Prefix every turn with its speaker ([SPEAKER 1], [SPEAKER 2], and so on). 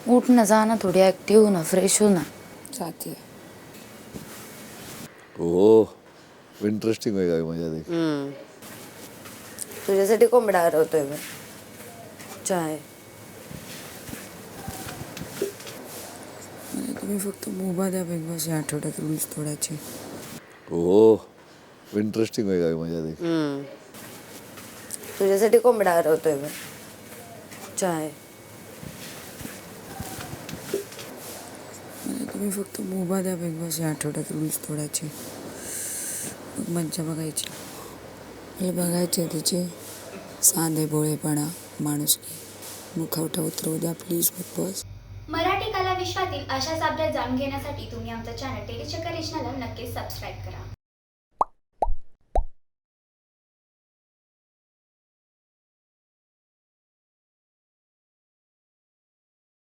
[SPEAKER 1] उठ ना, जा ना, थोड़ी ऍक्टिव्ह हो ना, फ्रेश हो ना.
[SPEAKER 2] जाती
[SPEAKER 3] हो इंटरेस्टिंग होईल काय मजा देख.
[SPEAKER 1] तुझ्यासाठी कोंबडा हरवतोय मी. चाय. मला तुम्ही फक्त मोबा द्या बिग बॉस या आठवड्यात रूल्स तोडायचे.
[SPEAKER 3] हो इंटरेस्टिंग होईल काय मजा देख.
[SPEAKER 1] तुझ्यासाठी कोंबडा हरवतोय मी. चाय. मला तुम्ही फक्त मोबा द्या बिग बॉस या आठवड्यात रूल्स तोडायचे. मग मज्जा बघायची. हे बघायचे तिचे साधे भोळेपणा, माणुसकी, मुखवटा उतरवू द्या प्लीज बिग बॉस.
[SPEAKER 4] मराठी कला विश्वातील अशाच अपडेट जाणून घेण्यासाठी तुम्ही आमचं चॅनल टेलीचक्कर रिजनला नक्कीच सबस्क्राईब करा.